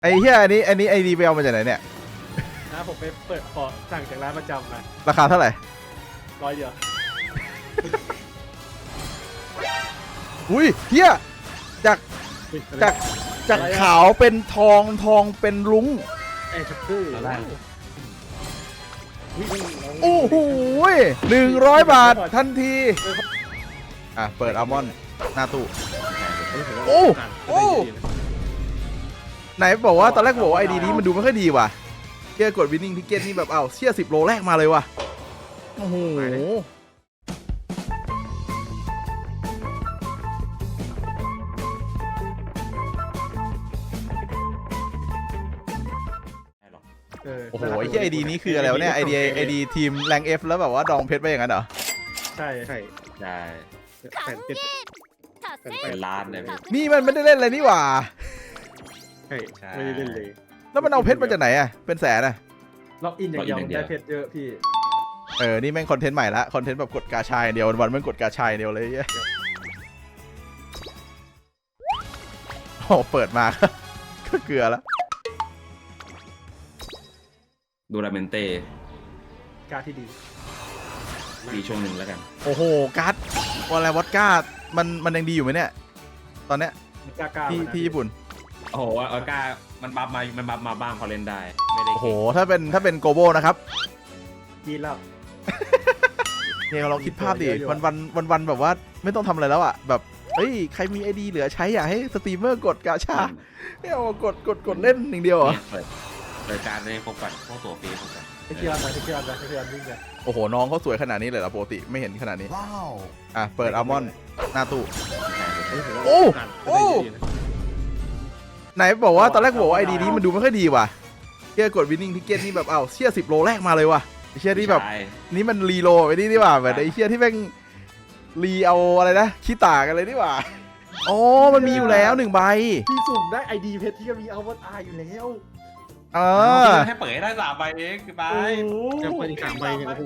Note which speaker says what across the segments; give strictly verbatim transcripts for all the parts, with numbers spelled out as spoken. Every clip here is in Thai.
Speaker 1: ไอ้เหี้ยอันนี้อันนี้ไอดีไปเอามาจากไหนเนี่ย
Speaker 2: นะผมไปเปิดขอสั่งจากร้านประจำมา
Speaker 1: ราคาเท่าไหร่
Speaker 2: ร้อยเดียว
Speaker 1: อุ้ยเหี้ยจากจากจากขาวเป็นทองทองเป็นลุ้ง
Speaker 2: ไอ้ชักคือ
Speaker 1: โอ้โหหนึ่งร้อยบาททันทีอ่ะเปิดอัลมอนด์หน้าตู้โอ้โอ้ไหนบอกว่าตอนแรกบอกว่าไอดีนี้มันดูไม่ค่อยดีว่ะเชี่ยกดวินนิ่งทิกเก็ตนี่แบบเอ้าเชี่ยสิบโลแรกมาเลยว่ะโอ้โหโอ้โหไอ้ที่ไอดีนี้คืออะไรวะเนี่ยไอดีไอดีทีมแรงเอฟแล้วแบบว่าดองเพชรไปอย่างนั้นเหรอ
Speaker 2: ใช่
Speaker 3: ใช่ใช่
Speaker 2: แผ่นเพชร
Speaker 3: เป็นล้านเลย
Speaker 1: นี่มันไม่ได้เล่นอะไรนี่หว่า
Speaker 2: ใช่ไม่ได้เล่นเลย
Speaker 1: แล้วมันเอาเพชรมาจากไหนอ่ะเป็นแสนอ่ะ
Speaker 2: ล็อกอินอย่างเดียวได้เพชรเยอะพี่
Speaker 1: เออนี่แม่งคอนเทนต์ใหม่ละคอนเทนต์แบบกดกาชายเดียววันแม่งกดกาชายเดียวเลยโอ้เปิดมาก็เกลือแล้ว
Speaker 3: ดูราเมนเต้
Speaker 2: การที่ดี
Speaker 3: ดีช่วงหนึ่งแล้วกัน
Speaker 1: โอ้โหการ์ดวอลเลย์วอดก้ามันมันยังดีอยู่ไหมเนี่ยตอนเนี้ยที่ที่ญี่ปุ่น
Speaker 3: โอ้โหออก้ามันบัฟมามันบัฟมาบ้างพอเล่นได้ไม่ได้
Speaker 1: โอ้โหถ้าเป็นถ้าเป็นโกโบนะครับ
Speaker 2: ยีแล้ว
Speaker 1: เนี่ยเราคิดภาพดิวันวันวันวันแบบว่าไม่ต้องทำอะไรแล้วอ่ะแบบเฮ้ยใครมีไอดีเหลือใช้อยากให้สตรีมเมอร์กดกาชาเนี่ยกดกดกดเล่นอย่างเดียวเหรอ
Speaker 3: เปิดการได้พบกันพวกตัวฟรีพบกัน
Speaker 2: ไอ้เกียร์มาไอ้เกียร์มาไอ้เกียร์วิ่งกัน
Speaker 1: โอ้โหน้องเขาสวยขนาดนี้เลยเหรอปกติไม่เห็นขนาดนี้ว้าวอ่ะเปิดอัลมอนด์หน้าตู้โอ้โอ้ไหนบอกว่าตอนแรกบอกว่าไอดีนี้มันดูไม่ค่อยดีว่ะเชี่ยกดวินนิ่งทิกเก็ตนี่แบบเอ้าเชี่ยสิบโลแรกมาเลยว่ะไอเชี่ยที่แบบนี่มันรีโลไปนี่นี่ว่าแบบไอเชี่ยที่แม่งรีเอาอะไรนะขี้ตากันเลยนี่ว่าอ๋อมันมีอยู่แล้วหนึ่งใบ
Speaker 2: พี่สุ่มได้ไอดีเพชรที่ก็มีอัลมอนด์อาอยู่แล้ว
Speaker 1: เออ
Speaker 3: ให้เปิดได้สามใบเองคือไป
Speaker 2: จะเปิดอีกสามใบเนี่ยโอ้โห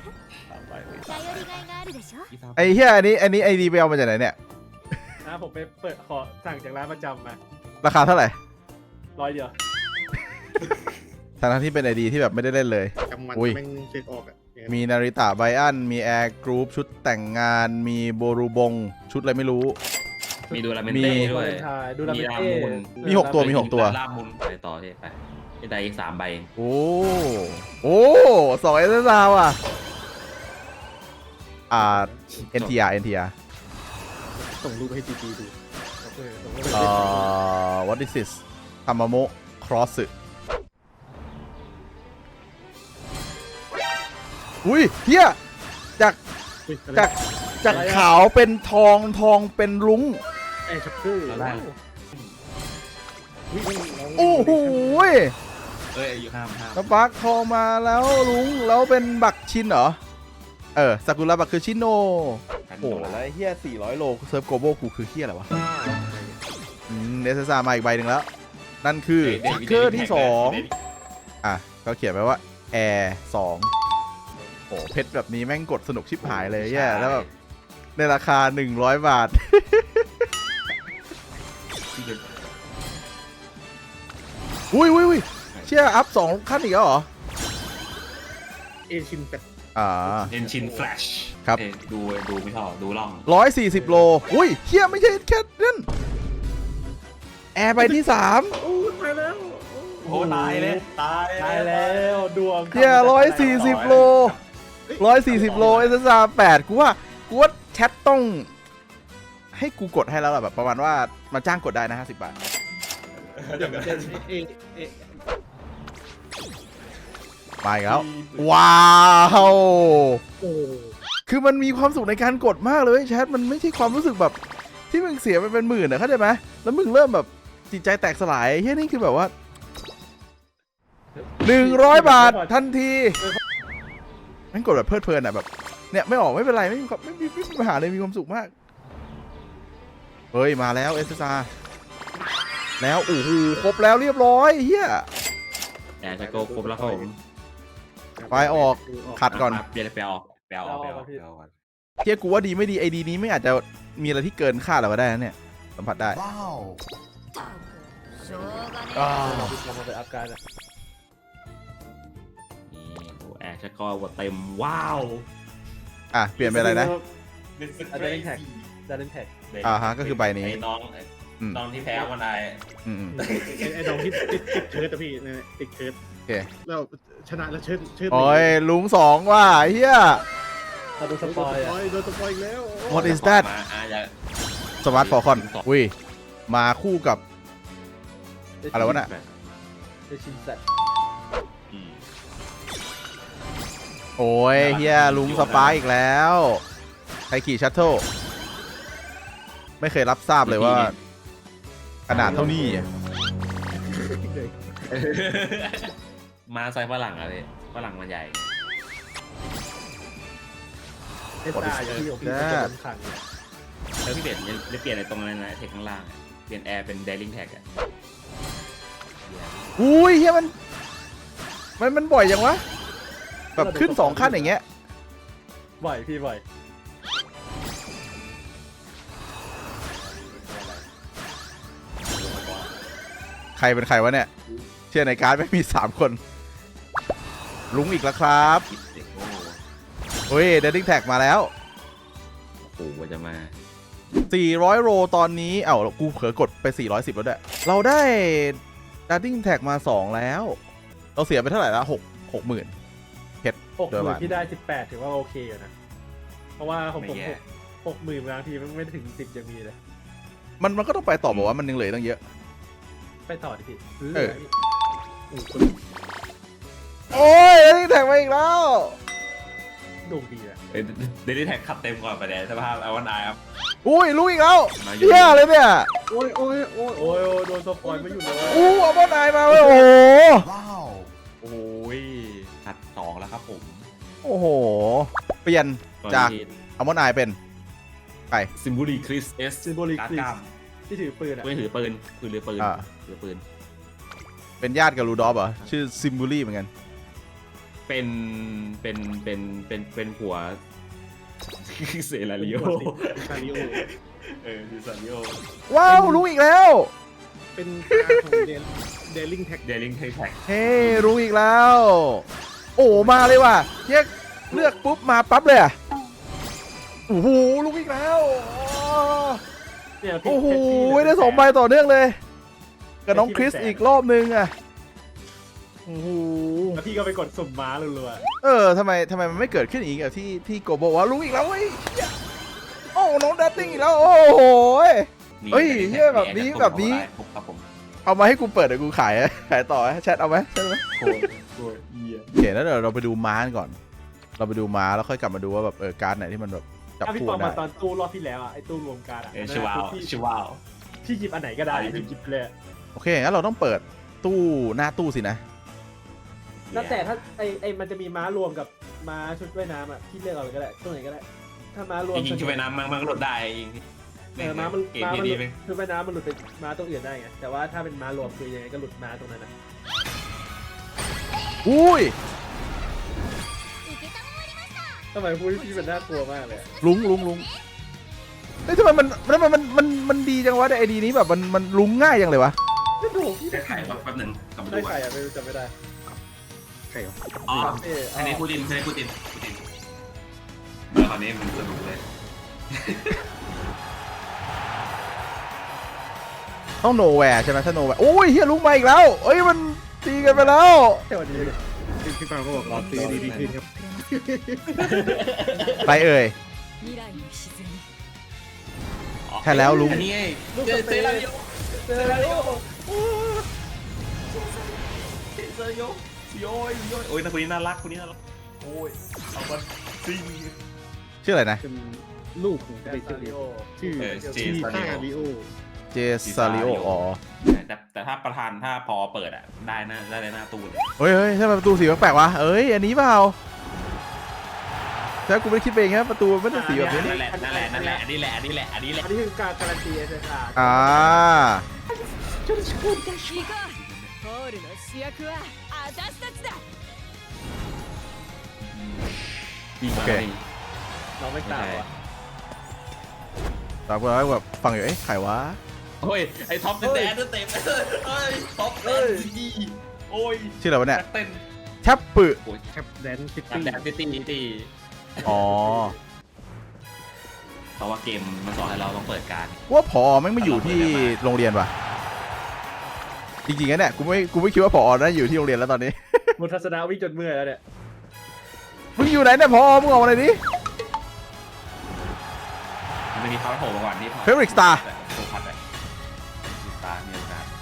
Speaker 1: ไอ้เหี้ยอันนี้อันนี้ไอดีไปเอามาจากไหนเนี่ย
Speaker 2: นะผมไปเปิดขอสั่งจากร้านประจำมา
Speaker 1: ราคาเท่าไหร่
Speaker 2: ร้อยเดียว
Speaker 1: ทั้งที่เป็นไอดีที่แบบไม่ได้เล่นเลย
Speaker 2: อุ้ย
Speaker 1: มีนาริตะไบอันมีแอร์กรุ๊ปชุดแต่งงานมีโบรูบงชุดอะไรไม่รู้
Speaker 3: มีดูราเมนเต้ด้วย
Speaker 2: มีลา
Speaker 1: มุนมีหกตัวมีหกตัว
Speaker 3: ลามุนไปต่อที่ไปได้อีกสามใบ
Speaker 1: โอ้โอ้สองเอสซาวอ่ะอ่าเอ็นทีอาร์เอ็นทีอาร์
Speaker 2: ส่งรูปให้จีจีดู
Speaker 1: เอ่อ what is this ทามาโมะครอสสึอุ้ยเฮียจากจากจากขาวเป็นทองทองเป็นลุ้ง
Speaker 2: ไอ้ชักคือ
Speaker 1: โอ้โห
Speaker 3: เอ้ยอยู่ห้ามห้าม
Speaker 1: แล้วบักทองมาแล้วลุงแล้วเป็นบักชินเหรอเออซากุระบักคือชินโนโอ้แล้วเฮียสี่ร้อยโลเซิร์ฟโกโบกูคือเฮียอะไรวะอืมเนสซามาอีกใบหนึ่งแล้วนั่นคือทิกเกอร์ที่สองอ่ะก็เขียนไว้ว่าแอร์สองโอ้เพชรแบบนี้แม่งกดสนุกชิบหายเลยแย่แล้วแบบในราคาหนึ่งร้อยบาทอุ้ยอุ้ยอุ้ยเชี่ยอัพสองขั้นอีกแล้วเหรอ
Speaker 2: เอชินเป็ด
Speaker 1: อ่า
Speaker 3: เอ็นชินแฟลช
Speaker 1: ครับ
Speaker 3: ดูดูไม่ชอบดูล่อง
Speaker 1: ร้อยสี่สิบโลอุ้ยเชี่ยไม่ใช่แค่นั้นแอร์ไปที่สาม
Speaker 2: โอ้ตายแล้ว
Speaker 3: โอ้ตายเลยตาย
Speaker 2: ตายแล้วดวง
Speaker 1: เชี่ยร้อยสี่สิบโลร้อยสี่สิบโลเอสซาแปดกูว่ากูว่าแชทต้องให้กูกดให้แล้วแบบประมาณว่ามาจ้างกดได้นะห้าสิบบาทไปแล้วว้าวคือมันมีความสุขในการกดมากเลยแชทมันไม่ใช่ความรู้สึกแบบที่มึงเสียไปเป็นหมื่นนะเข้าใจไหมแล้วมึงเริ่มแบบจิตใจแตกสลายเฮ้ยนี่คือแบบว่าหนึ่งร้อยบาททันทีมันกดแบบเพลิดเพลินอ่ะแบบเนี่ยไม่ออกไม่เป็นไรไม่มีไม่มีไม่มีปัญหาเลยมีความสุขมากเฮ้ยมาแล้วเอสซาแล้วโอ้โหครบแล้วเรียบร้อยเฮีย
Speaker 3: แอร์จะโกครบแล้วครับผม
Speaker 1: ไฟออกขัดก่อน
Speaker 3: เปลี่ยนไปออกไปออกไปออก
Speaker 1: เฮียกูว่าดีไม่ดีไอดีนี้ไม่อาจจะมีอะไรที่เกินคาดเราก็ได้นะเนี่ยสัมผัสได้อ่า
Speaker 2: เราไปทำมาไปอัพการอ่ะ
Speaker 3: นี่โอ้แอร์ชักก็ว่าเต็มว้าว
Speaker 1: อ่ะเปลี่ยนเป็นอะไรนะ
Speaker 2: อาจจะเล่นแท็กจะเล่นแท็ก
Speaker 1: อ่าฮะก็คือใบนี้
Speaker 3: ไอ้น้อง
Speaker 1: อืม
Speaker 3: น้องที่แพ้วันได
Speaker 1: อืมอืม
Speaker 2: ไอ้ไอ้น้องที่ติดติดเชิร์ตอะพี่เนี่ยติดเชิร์ต
Speaker 1: โอเค
Speaker 2: แล้วชนะแล้วเชิร์ตเชิร์ต
Speaker 1: โอ้ยลุงสองว่ะเฮีย
Speaker 2: โดนสปอยโดนสปอยอีกแล้ว
Speaker 1: What is that
Speaker 3: มาอ่ะอย่า
Speaker 1: สมาร์ทฟอร์คอนอุ้ยมาคู่กับอะไรวะน่ะ
Speaker 2: เดชินแซด
Speaker 3: อืม
Speaker 1: โอ้ยเฮียลุงสปายอีกแล้วใครขี่ชัตเทิลไม่เคยรับทราบเลยว่า ขนาดเท่านี้อ่ะ
Speaker 3: มาใส่ฝรั่งอะไรฝรั่งมันใหญ่
Speaker 2: เอสตาอย่างที่ผมพี่จะโดนขัง
Speaker 3: แล้วพี่เปลี่ยนจะเปลี่ยนในตรงนั้นนะเทคข้างล่างอะเปลี่ยนแอร์เป็นเดลิงแท็กอะ
Speaker 1: อุ้ยเฮียมันมันมันบ่อยจังวะแบบขึ้นสองขั้นอย่างเงี้ย
Speaker 2: บ่อยพี่บ่อย
Speaker 1: ใครเป็นใครวะเนี่ยเชื่อในการ์ดไม่มีสามคนลุงอีกแล้วครับ
Speaker 3: คิดเด็กโอ้
Speaker 1: เฮ้ยเดดดิ้งแท็กมาแล้ว
Speaker 3: โหว่าจะมา
Speaker 1: สี่ร้อยโรตอนนี้เอ้ากูเผลอกดไปสี่ร้อยสิบแล้วด้วยเราได้เดดดิ้งแท็กมาสองแล้ว เราเสียไปเท่าไหร่ละหก หกหมื่น
Speaker 2: หกหมื่นที่ได้สิบแปดถือว่าโอเคอยู่นะเพราะว่าของผม
Speaker 3: ไม่แย่
Speaker 2: หกหมื่นบางทีมันไม่ถึงสิบยังมีเลย
Speaker 1: มันมันก็ต้องไปต่อบอกว่ามันยังเหลือตั้งเยอะ
Speaker 2: ไปต่อดิพี่
Speaker 1: เออ
Speaker 2: โอ้โห
Speaker 1: โอ้ยเดดดิ้งแท็กมาอีกแล้ว
Speaker 2: ดูดีอะ
Speaker 3: เดลิงแท็กขับเต็มก่อนไปแดนสภาพไอวันไอครับ
Speaker 1: อุ้ยลุงอีกแล้ว
Speaker 3: มาอยู่
Speaker 1: เฮียเลยเนี่ย
Speaker 2: โอ้ยโอ้ยโอ้ยโอ้ยโดนสปอยไม่อยู่เลย
Speaker 1: อู้เอาบอลนายมาเว้ยโอ้โห
Speaker 3: โอ้ยขัดสองแล้วครับผม
Speaker 1: โอ้โหเปลี่ยนจากเอาบอลนายเป็นไป
Speaker 3: ซิมบูลีคริสเอส
Speaker 2: ซิมโบลิก
Speaker 3: การ์ด
Speaker 2: คริ
Speaker 3: กล้า
Speaker 2: ส
Speaker 3: ม
Speaker 2: ที่ถือปืนอะ
Speaker 3: ปืนถือปืนปืนหรือปืน
Speaker 1: อ่า
Speaker 3: หรือปืน
Speaker 1: เป็นญาติกับรูดอฟเหรอชื่อซิมบูลี่เหมือนกัน
Speaker 3: เป็นเป็นเป็นเป็นเป็นผัว เซราริโอ
Speaker 2: คาริโอ
Speaker 3: เออดิซาริโอ
Speaker 1: ว้าวลุงอีกแล้ว
Speaker 2: เป็นการของเดลเดลิงแท็ก
Speaker 3: เดลิงแท็ก
Speaker 1: เฮ้ลุงอีกแล้ว โอ้มาเลยว่ะเฮียเลือกปุ๊บมาปั๊บเลยอ่ะโอ้โหลุงอีกแล้วอ๋อ
Speaker 2: เนี่ยพี่
Speaker 1: โอ้โห
Speaker 2: แท็กซี่
Speaker 1: ได้สองใบต่อเนื่องเลยกับน้องคริสอีกรอบนึงอ่ะโอ้โห
Speaker 2: แล้วพี่ก็ไปกดสุ่มม้ารัว
Speaker 1: เออทำไมทำไมมันไม่เกิดขึ้นอีกอะที่ที่โกโบว่าลุงอีกแล้วเว้ยเหี้ยโอ้น้องดัตติ้งอีกแล้วโอ้โห
Speaker 3: นี่
Speaker 1: เฮ้ยเหี้ยแบบนี้แบบนี้
Speaker 3: ครับผม
Speaker 1: เอามาให้กูเปิดเดี๋ยวกูขายอะขายต่อไหมแชทเอาไหมใช่ไหม
Speaker 3: โคตรโคตรเยี่ย
Speaker 1: โอเคแล้วเดี๋ยวเราไปดูม้ากันก่อน เราไปดูม้าแล้วค่อยกลับมาดูว่าแบบเออการ์ดไหนที่มันแบบ
Speaker 2: ๆ
Speaker 1: จับ
Speaker 2: ถ้าพี่
Speaker 1: คู่
Speaker 2: ปอง
Speaker 1: ได้
Speaker 2: มาตอนตู้รอบที่แล้วอ่ะไอ้ตู้รวมการอ่ะ
Speaker 3: เออชิวาว
Speaker 2: พี่
Speaker 3: ชิวาว
Speaker 2: พี่หยิบอันไหนก็ได้พี่หยิบเลย
Speaker 1: โอเคงั้นเราต้องเปิดตู้หน้าตู้สินะ
Speaker 2: แล้วแต่ถ้าไอ้ไอ้มันจะมีม้ารวมกับม้าชุดว่ายน้ำอ่ะพี่เลือกเอาเลยก็ได้ตัวไหนก็ได้ ถ้าม้ารวม
Speaker 3: จริงๆช่วยน้ำมันมันก็ลดได้เอง
Speaker 2: เออม้ามัน
Speaker 3: เกม
Speaker 2: ม้ามัน
Speaker 3: ดี
Speaker 2: หลุด
Speaker 3: ไป
Speaker 2: ชุดว่ายน้ำมันหลุดไปม้าตัวอื่นได้ไงแต่ว่าถ้าเป็นม้ารวมคือยังไงก็หลุดม้าตรงนั้นนะ
Speaker 1: อุ้ย
Speaker 2: ทำไมพูดพี่มันน่ากลัวมากเลยอะ
Speaker 1: ลุงลุงลุงเฮ้ยทำไมมันทำไมมันมันมันดีจังวะไอดีนี้แบบมันมันลุงง่ายจังเลยวะ
Speaker 2: ก็ถูกพี่
Speaker 3: จะไข่แป๊บหนึ่งกลับมา
Speaker 2: ได้
Speaker 3: ดู
Speaker 2: ใครอ่ะไม่รู้จำไม่ได้
Speaker 3: อ๋อ
Speaker 2: เออ
Speaker 3: อันนี้พูดดินอันนี้พูดดินพูดดินเออคราวนี้มันสนุกเลย
Speaker 1: ต้องโนแวร์ใช่ไหมถ้าโนแวร์โอ้ยเฮียลุงมาอีกแล้วเอ้ยมันตีกันไปแล้ว
Speaker 2: แค่วันนี้พี่พี่ปาก็บอกรอซื้อดีๆขึ้นครับ
Speaker 1: ไปเอ่ย ใช่แล้วลุง
Speaker 3: อันนี้ไงเจอเซราริโอ
Speaker 2: เจอแล้ว
Speaker 3: เซราริโอโย้ยโย้ยโอ้ยนะคนนี้น่ารักคนนี้น่ารักโอ้ยเอาบันซิง
Speaker 1: ชื่ออะไรนะ
Speaker 2: เป็นลูกของเจซาริโอชื่อ
Speaker 3: เออเจ
Speaker 2: ชื่อ
Speaker 3: ซา
Speaker 2: ซา
Speaker 3: ริโอ
Speaker 2: ริโอ
Speaker 1: เจซาริโออ๋อ
Speaker 3: แต่แต่ถ้าประธานถ้าพอเปิดอ่ะได้นะได้ในหน้าตู้เลย
Speaker 1: เฮ้ยเฮ้ยทำไมประตูสีแปลกๆวะเอ้ยอันนี้เปล่าแต่กูไม่ได้คิดเองครับประตูไม่ได้สีแบบนี้
Speaker 3: นั่นแหละนั่นแหละนั่นแหละอันนี้แหละอันนี้แหละอันนี้แหละ
Speaker 2: อันนี้คือการการันตีเอสเออาร์
Speaker 1: อ่า
Speaker 4: ホールの主役は私たちだ
Speaker 3: ดีมากดี
Speaker 2: เราไม่ต่างว่ะ
Speaker 1: ตามกูแล้วแบบฟังอยู่เอ้ยใครวะ
Speaker 3: โอ้โอ้ยไอ้ท็อปแดนเต็มเอ้ยท็อปแดนซีโอ้ย
Speaker 1: ชื่ออะไรวะเนี่ย
Speaker 3: เต้น
Speaker 1: แชปปึ
Speaker 3: โอ้ย
Speaker 5: แคปแดนซิ
Speaker 3: แด
Speaker 5: ตี้
Speaker 3: นซิตี้ตี
Speaker 1: อ๋อ
Speaker 3: เพราะว่าเกมมันสอนให้เราต้องเปิดการ
Speaker 1: ว่าผอไม่งไม่อยู่ที่โรงเรียนว่ะจริงๆนะเนี่ยกูไม่กูไม่คิดว่าผอน่าอยู่ที่โรงเรียนแล้วตอนนี้
Speaker 2: มุทัศนาวิ่งจนเมื่อยแล้วเนี่ย
Speaker 1: มึงอยู่ไหนเนี่ยผอมึงออกมาเลยดิ
Speaker 3: มันมีเขาโผล่มาก่อนที่
Speaker 1: Favorite Star
Speaker 3: โผล่พัดเลยสตาร์มีโอกาส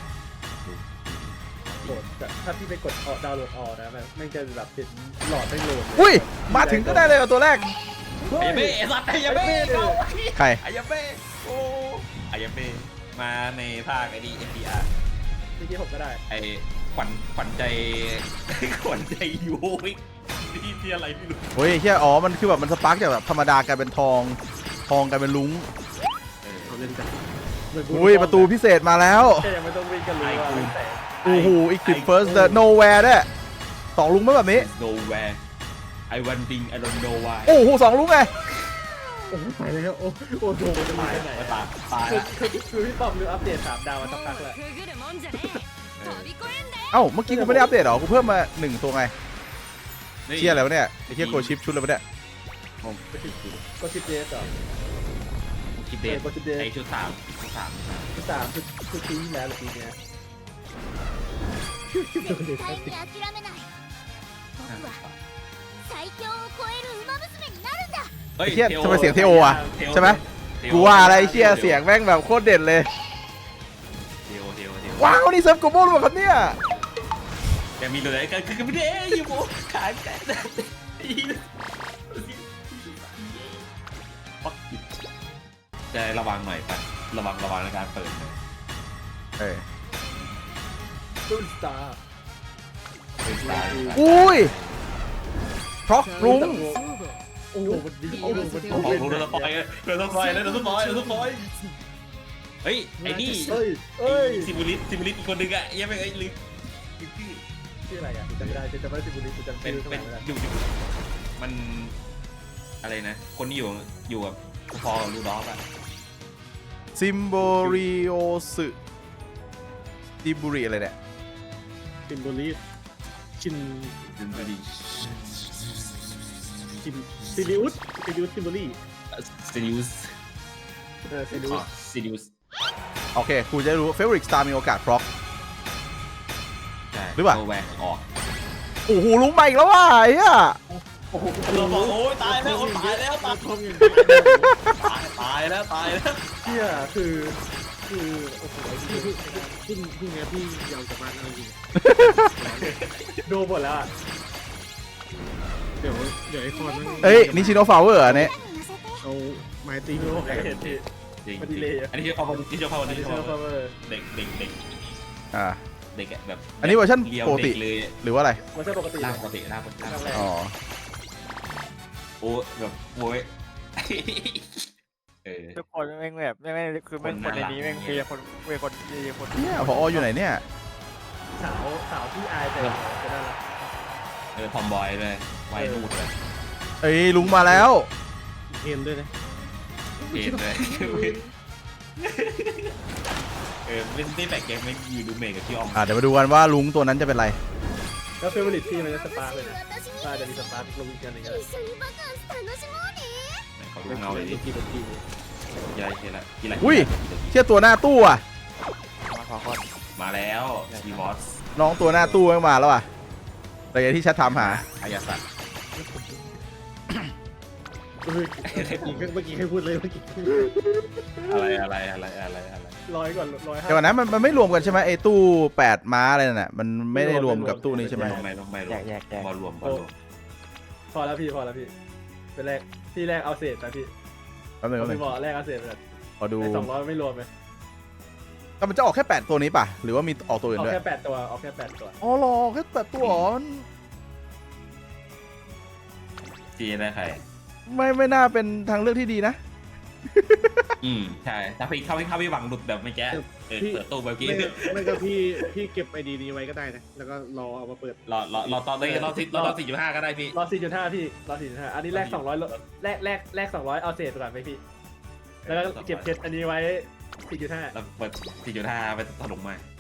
Speaker 2: โหลดแต่ถ้าพี่ไปกดออกดาวน์โหลดออกนะมันไม่งจะแบบเป็นหลอดไม่โหลดเลย
Speaker 1: อุ้ยมาถึงก็ได้เลยกับตัวแรก
Speaker 3: ไอ้เบ้ไอ้สัตว์ไอ้ยาเบ้เอา
Speaker 1: ใคร
Speaker 3: ไอ้ยาเบ้โอ้ไอ้ยาเบ้มาในภาคไอ้นี่ เอ็น ดี อาร์
Speaker 2: ที่ที่ผมก็ได้
Speaker 3: ไอ้ขวัญขวัญใจขวัญใจยูวินี่ที่อะไรไม่รู้
Speaker 1: โอ้ยเฮียอ๋อมันคือแบบมันสปาร์กจากแบบธรรมดากลายเป็นทองทองกลายเป็นลุ้ง
Speaker 5: เขาเล่นกัน
Speaker 2: เหมืน
Speaker 1: อุ้ยประตูพิเศษมาแล้ว
Speaker 2: แค่ยังไม่ต้องวิ่งกันเลยว่ามันแตก
Speaker 1: โอ้โหอีกคลิป first the nowhere ด้วยสองลุงไหมแบบนี้
Speaker 3: โนแวร์ไอวันดิงไอรอนโนวาย
Speaker 1: โอ้โหสองลุงไง
Speaker 5: โอ้ไปแล้วโอ้
Speaker 2: โอ้โหมันจะมี
Speaker 3: ตาย
Speaker 2: แค่ไหน
Speaker 3: ตายตาย
Speaker 2: คือคือคือพี่ป้อมลืมอัปเดตสามดาวมาสัก
Speaker 4: 門
Speaker 2: พัก
Speaker 4: を
Speaker 2: แล้ว
Speaker 4: くぐるもんじゃねえ飛び越えんだよ
Speaker 1: เอ้าเมื่อกี้กูไม่ได้อัปเดตหรอกูเพิ่มมาหนึ่งตัวไงเชี่ยอะไรวะเนี่ยไอ้เชี่ยโกชิปชุดอะไรวะเนี่ย
Speaker 2: ก็ชิปเดสเหรอ
Speaker 3: คิดเดทไอชุดสามชุดสาม
Speaker 2: ชุดสามชุดชุดปีที่แล้วหรือปีเนี้ย
Speaker 6: 絶対に諦めない僕は最強を超える馬娘になるんだ
Speaker 3: เฮ้ย
Speaker 1: ไอ้เชี่ยทำไมเสียงเทโออะใช่ไหมกูว่าอะไรไอ้เชี่ยเสียงแม่งแบบโคตรเด่นเลย
Speaker 3: เทโอเทโอเทโอ
Speaker 1: ว้าวนี่เซิร์ฟโกโบหรือเปล่าครับเนี่ย
Speaker 3: แกมีตัวไหนกันคือไม่ได้ยูโมขายกันจะระวังหน่อยปะระวังระวังในการเปิด
Speaker 1: เออ
Speaker 2: ตุ้นสตาร์
Speaker 1: อุ้ยเพราะลุง
Speaker 2: โอ้โหมันดีโอ้โหมันดี
Speaker 3: โอ้โหเราสปอยเราสปอยเราสปอยเราสปอยเฮ้ยไอ้นี่
Speaker 2: เฮ้ยเฮ้ย
Speaker 3: ซิมูลิสซิมูลิสอีกคนนึงอะยังไม่ไอ้ลืมชื่อ
Speaker 2: ชื่ออะไรอ่ะจำไม่ได้จำไม่ได้สิบุรีจำ
Speaker 3: เป็น
Speaker 2: ชื่อ
Speaker 3: เป็น
Speaker 2: ไม่ได้
Speaker 3: อยู่มันอะไรนะ คนที่อยู่อยู่กับพอกับลูดอฟอะ
Speaker 1: ซิมโบริโอสึดิบุริอะไรเนี่ย
Speaker 5: ซิมโบลิชิน
Speaker 3: ดึงไปดิ
Speaker 5: ชินซิลิอุสซิลิอุสซิมโบลี
Speaker 3: ซิลิอุส
Speaker 2: เออซีดู
Speaker 3: อ๋อซิลิอุส
Speaker 1: โอเคกูจะได้รู้ favorite star มีโอกาสเพราะ
Speaker 3: ใช่
Speaker 1: หรือเปล่า
Speaker 3: โแวร์ออก
Speaker 1: โอ้โหลุงใหม่อีกแล้วว่ะไอ้เหี้ย
Speaker 3: เราบอกโอ้ยตายแล้วตายแล้วตาย
Speaker 5: ทองอย่าง
Speaker 3: ตายตายแล้วตายแล้ว
Speaker 2: เที่ยคือคือโอ้โห
Speaker 5: พี่พี่พี่พี่ไงพี่ยาวจากบ้านเอาจริง
Speaker 2: ดูหมดแล้วอ่ะ
Speaker 5: เดี๋ยวเดี๋ยวไอ้คอนมัน
Speaker 1: เอ้ยนิชิโนฟลาวเวอร์อันนี้
Speaker 5: เอาไม้ตี
Speaker 2: ดู
Speaker 5: โล
Speaker 2: ใครเห็นที่
Speaker 3: จริง
Speaker 2: มันดีเลยอะ
Speaker 3: อันนี้คือความที่ชอบความ
Speaker 2: อัน
Speaker 3: ที่
Speaker 2: นี้
Speaker 3: ช
Speaker 2: ชื่
Speaker 3: อ
Speaker 2: อบ ฟาร์เมอร์
Speaker 3: เด็กเด็กเด็ก
Speaker 1: อ่า
Speaker 3: เด็กแบบ
Speaker 1: อันนี้เวอร์ชัน
Speaker 3: เรียว
Speaker 1: ปกติ
Speaker 3: เด็เลย
Speaker 1: หรือว่าอะไร
Speaker 2: มันใช่ปกติ
Speaker 3: ร่างปกติร่างปกติ
Speaker 2: ร่างแรก
Speaker 1: อ๋อ
Speaker 3: โอ้แบบโว้ยเออ
Speaker 7: ทุกคนแม่งแบบแม่งคือแม่งคนในนี้แม่งคือคนเป็นคนดีคน
Speaker 1: เนี่ยพออยู่ไหนเนี่ย
Speaker 2: สาวสาวที่อายแต่จะน่ารัก
Speaker 3: เออทอมบอยเลยไวนูดเลย
Speaker 1: เอ้ยลุงมาแล้ว
Speaker 5: เอ็นด้วยนะ
Speaker 3: เห็นเลยเออไม่ได้แปลกแกไม่อยู่ดูเมย์กับพี่ออม
Speaker 1: อ่าเดี๋ยวมาดูกันว่าลุงตัวนั้นจะเป็นไร
Speaker 2: แล้วเฟเวอร์ลิตที่มันจะสปาร์กเลยนะ
Speaker 6: 私に
Speaker 2: น่าจะมีสปาร์กลงอีกอันหนึ่งก็ได้
Speaker 6: 一緒にバカンス楽しもうね
Speaker 3: เขาดูเงาเลยดิ
Speaker 2: กี่กี่
Speaker 3: ยายทีละทีละ
Speaker 1: อุ้ยเชี่ยตัวหน้าตู้อ่ะ
Speaker 7: มาขอคน
Speaker 3: มาแล้วดีมอส
Speaker 1: น้องตัวหน้าตู้แม่งมาแล้วอ่ะแต่อย่างที่แชทถามหา
Speaker 3: อายาสัต
Speaker 5: เมื่อกี้เมื่อกี้ใครพูดเลยเมื่อกี้
Speaker 3: อะไรอะไรอะไรอะไรอะไร
Speaker 2: ร้อยก่อนร้อยห้า
Speaker 1: แต่วันนั้นมันมันไม่รวมกันใช่ไหมไอ้ตู้แปดม้าอะไรนั่นน่ะมันไม่ได้รวมกับตู้นี้ใช่ไหม
Speaker 3: ลงไม่ลงไม่ล
Speaker 7: แย
Speaker 3: ง
Speaker 7: กแยกแยก
Speaker 3: บอลรวมบอลรวม
Speaker 2: พอแล้วพี่พอแล้วพี่เป็นแรกพี่แรกเอาเศษไปพี่
Speaker 1: แป๊บนึงแป๊บนึ
Speaker 2: พี่
Speaker 1: ง
Speaker 2: บอกแรกเอาเศษไป
Speaker 1: ขอดู
Speaker 2: ไอ้สองร้อยไม่รวมไหม
Speaker 1: แต่มันจะออกแค่แปดตัวนี้ป่ะหรือว่ามีออกตัวอื่น
Speaker 2: เอา
Speaker 1: ด้วย
Speaker 2: แค่แปดตัวเอาแค่แปดตัว
Speaker 1: อ๋อเหรอแค่แปดตัวอ๋อ
Speaker 3: จีได้ใคร
Speaker 1: ไม่ไม่น่าเป็นทางเลือกที่ดีนะ
Speaker 3: อืมใช่ถ้าพี่เข้าไม่เข้าไม่หวังหลุดแบบไม่แก้เออเปิดตู้เมื่อกี้
Speaker 5: ไม่ไม่ก็พี่พี่เก็บไอดีนี้ไว้ก็ได้นะแล้วก็รอเอามาเปิด
Speaker 3: รอรอรอตอนนี้รอสิรอสี่จุดห้าก็ได้พี่
Speaker 2: รอสี่จุดห้าพี่รอสี่จุดห้าอันนี้แรกสองร้อยแรกแรกแรกสองร้อยเอาเศษไปก่อนไหมพี่แล้วก็เก็บเช็ดอันนี้ไว้สี่จุดห้า
Speaker 3: แล้วเปิดสี่จุดห้าไปถล่มมา